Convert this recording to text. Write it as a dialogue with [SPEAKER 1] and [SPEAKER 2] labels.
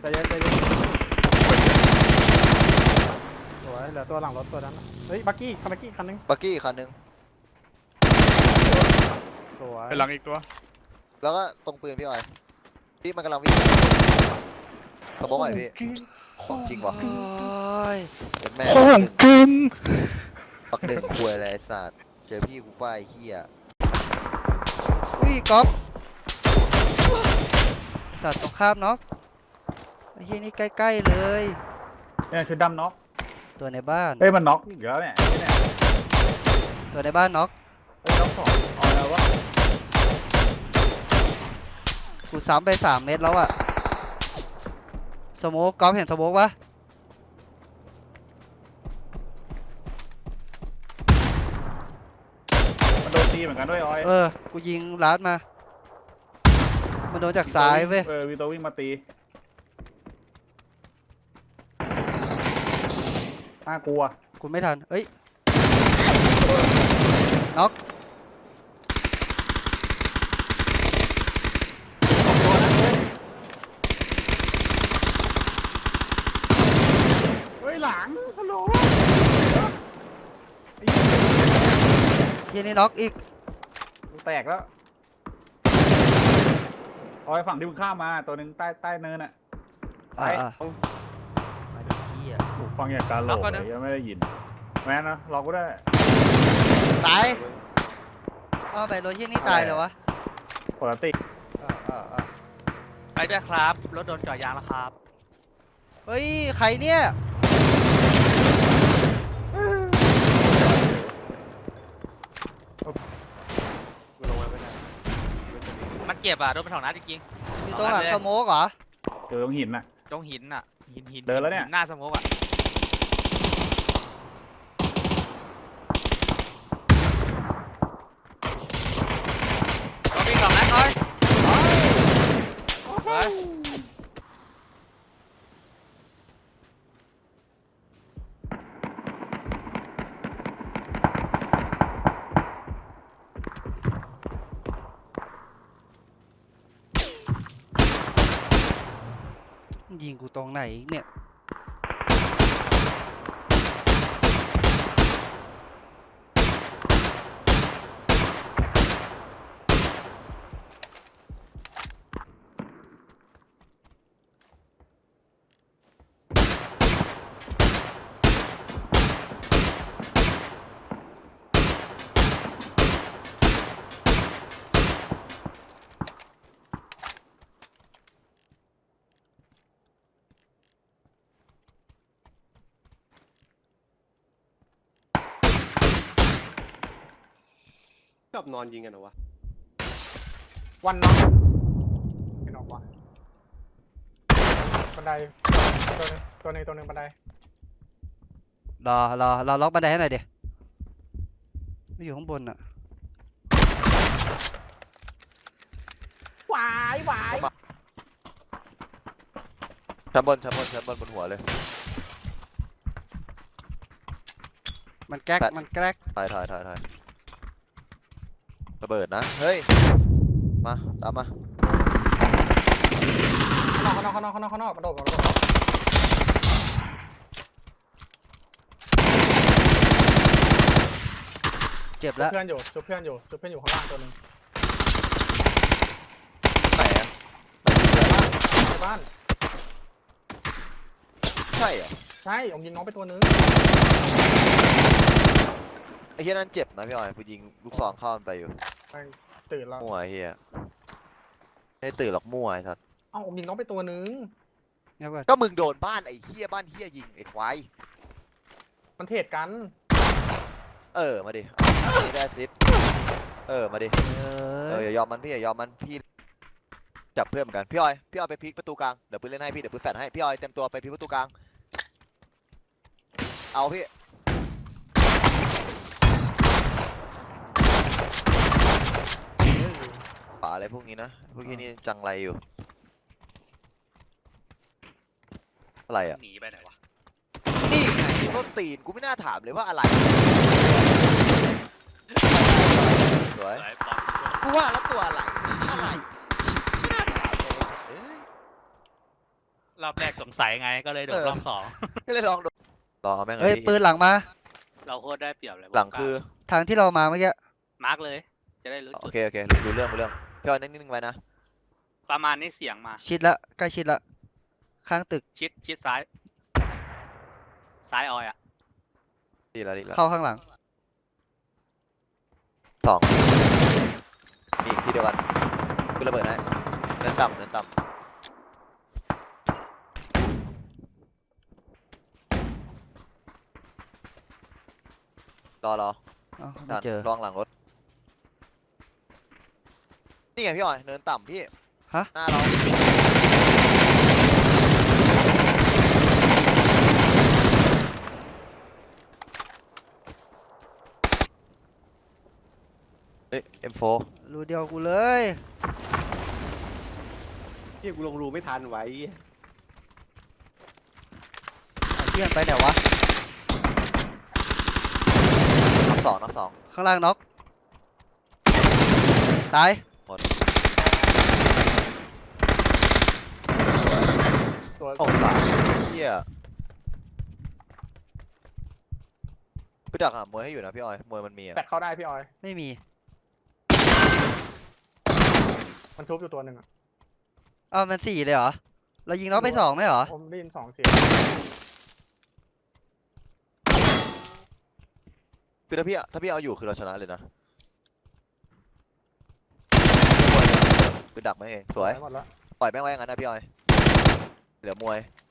[SPEAKER 1] ใจเย็นสวยเหลือตัวหลังรถตัวนั้นเฮ้ยบักกี้คันนึง
[SPEAKER 2] บักกี้คันหนึ่ง
[SPEAKER 1] สวย
[SPEAKER 3] ไปหลังอีกตัว
[SPEAKER 2] แล้วก็ตรงปืนพี่ออยพี่มันกำลังวิ่งสมองไหวพี่ของจริงวะเป็นแม่
[SPEAKER 3] ของจริง
[SPEAKER 2] ปักหนึ่งควยอะไรไอ้สัตว์เจอพี่กูป้ายเฮีย
[SPEAKER 4] อุ้ยก๊อฟสัตว์ตรงข้ามน็อกไอ้เฮียนี่ใกล้ๆเลย
[SPEAKER 3] เนี่ยชุดดำน็อก
[SPEAKER 4] ตัวในบ้าน
[SPEAKER 3] เฮ้ยมันน็อกอีกแล้วเนี่ยเนี่ย
[SPEAKER 4] ตัวในบ้านน็อก
[SPEAKER 3] เฮ้ยน็อกสองเอาแล้ววะ
[SPEAKER 4] กูซ้ำไป3 เม็ดแล้วอะสโมกก๊อฟเห็นสโมกปะ
[SPEAKER 3] มันโดนตีเหมือนกันด้วยออย
[SPEAKER 4] กูยิงลัดมา มันโดนจากซ้ายเว้ย
[SPEAKER 3] วีโตวิ่งมาตีน่ากลัว
[SPEAKER 4] กูไม่ทันเอ้ยน็อก
[SPEAKER 3] เฮ้ยหลังฮัลโหล
[SPEAKER 4] เฮียนี่น็อกอีก
[SPEAKER 3] แตกแล้วออยฝั่งที่มึงข้ามมาตัวหนึ่งใต้เนินอ่ะ
[SPEAKER 4] อ่ามาดิเฮีย
[SPEAKER 3] ถูกฟังอย่างการโหลกเลยยังไม่ได้ยินแม่นะเราก็ได้
[SPEAKER 4] ตายอ้าวไปรถเฮียนี่ตายเลยวะ
[SPEAKER 3] ปกติ
[SPEAKER 5] ไปด้วยครับ รถโดนเจ่อยางแล้วครับ
[SPEAKER 4] เฮ้ยใครเนี่ย
[SPEAKER 5] มันเจ็บอ่ะโดนไปสองนัดจริง
[SPEAKER 4] อยู่ตรงหลังสโมกเหรอ
[SPEAKER 3] เจอตรงหินน่ะ
[SPEAKER 5] ๆตรงหินอ่ะ หิน
[SPEAKER 3] เดินแล้วเนี่ย
[SPEAKER 5] หน้าสโมกอ่ะเราวิ่งสองนัดเลยเฮ้ย
[SPEAKER 4] ยิงกูตรงไหนอีกเนี่ย
[SPEAKER 6] ชอบนอนยิงกันเหรอวะ
[SPEAKER 1] วันน็อกไม่น็อกว่ะบันไดตัวหนึงบันได
[SPEAKER 4] รอล็อกบันไดให้หน่อยเดี๋ยวไม่อยู่ข้างบนอะ
[SPEAKER 1] หวาย
[SPEAKER 2] ชั้นบนบนหัวเลย
[SPEAKER 4] มันแก๊ก
[SPEAKER 2] แปด
[SPEAKER 4] มันแก๊ก
[SPEAKER 2] ถ่ายระเบิดนะเฮ้ยมาตามมา
[SPEAKER 1] ข้างนอกกระโดด
[SPEAKER 4] เจ็บ
[SPEAKER 1] ชุบ
[SPEAKER 4] แล้ว
[SPEAKER 1] เพื่อนอยู่ข้างล่างตัวหนึง
[SPEAKER 2] ไหนอะ
[SPEAKER 1] ในบ้าน
[SPEAKER 2] ใช่เหรอ
[SPEAKER 1] ใช่ผมยิงน้องไปตัวนึง
[SPEAKER 2] ไอ้เฮียนั่นเจ็บนะพี่ออยกูยิงลูกซองเข้ามันไปอยู่
[SPEAKER 1] ตื่นแล้ว
[SPEAKER 2] มั่วไอ้เฮียไม่ได้ตื่นหรอกมั่วไอ้สัส
[SPEAKER 1] เอ้าผมยิงน้องไปตัวนึง
[SPEAKER 4] เงียบก่อน
[SPEAKER 2] ก็มึงโดนบ้านไอ้เฮียบ้านเฮียยิงไอ้ควาย
[SPEAKER 1] มันเทรดกัน
[SPEAKER 2] มาดินี่ได้ซิปมาดิอย่ายอมมันพี่อย่ายอมมันพี่จับเพื่อนเหมือนกันพี่ออยไปพลิกประตูกลางเดี๋ยวปืนเล่นให้พี่เดี๋ยวปืนแฟดให้พี่ออยเต็มตัวไปพลิกประตูกลางเอาพี่ป่าอะไรพวกนี้นะพวกนี้จังไรอยู่อะไรอ่ะ
[SPEAKER 5] หนีไปไหนวะ
[SPEAKER 2] นี่ไงต้นตีนกูไม่น่าถามเลยว่าอะไรสวยกูว่าแล้วตัวอะไรไม่น่าถามเลย
[SPEAKER 5] รอบแรกสงสัยไงก็เลยโดดรอบสอง
[SPEAKER 2] ก็เลยลองดูรอแม่งเล
[SPEAKER 4] เฮ้ย
[SPEAKER 2] ยพี่
[SPEAKER 4] ปืนหลังมา
[SPEAKER 5] เราโคตรได้เปรียบเลย
[SPEAKER 2] หลังคือ
[SPEAKER 4] ทางที่เรามาเมื่อกี้
[SPEAKER 5] มาร์กเลย จะได้รู้
[SPEAKER 2] โอ
[SPEAKER 5] จุด
[SPEAKER 2] เคโอเครู้เรื่องพี่ออยนิ่งๆไว้นะ
[SPEAKER 5] ประมาณนี้เสียงมา
[SPEAKER 4] ชิดละใกล้ชิดละข้างตึก
[SPEAKER 5] ชิดซ้าย ซ้ายออยอ่ะ
[SPEAKER 2] ดีแล้ว
[SPEAKER 4] เข้าข้างหลัง
[SPEAKER 2] สองมีอีกที่เดียวกันคือระเบิดนะเนินต่ำรอ
[SPEAKER 4] อ้าวไม่
[SPEAKER 2] ดัน
[SPEAKER 4] เจอ
[SPEAKER 2] ลองหลังรถนี่ไงพี่ออยเนินต่ำพี่
[SPEAKER 4] ฮะ
[SPEAKER 2] หน้าเราเฮ้ย M4
[SPEAKER 4] รูเดียวกูเลย
[SPEAKER 6] พี่กูลงรูไม่ทันไว้
[SPEAKER 4] เอาเที่ยงไปไหนวะ
[SPEAKER 2] นับสอง
[SPEAKER 4] ข้างล่างน็อกตาย
[SPEAKER 1] ตัว
[SPEAKER 2] โอ้สามเฮียพี่ดักหามวยให้อยู่นะพี่ออยมวยมันมีอะ
[SPEAKER 1] แตกเข้าได้พี่ออย
[SPEAKER 4] ไม่มี
[SPEAKER 1] มันทุบอยู่ตัวหนึ่งอ่ะ
[SPEAKER 4] อ้าวมัน4เลยเหรอ เรายิงน็อกไป2ไหมเหรอ
[SPEAKER 1] ผมได้ยิน2 เสียง
[SPEAKER 2] คือถ้าพี่เอาอยู่คือเราชนะเลยนะคือดักแม่งเองสวย
[SPEAKER 1] หมดแล้ว
[SPEAKER 2] ปล่อยแม่งไว้อย่างนั้นนะพี่ออยเหลือมวย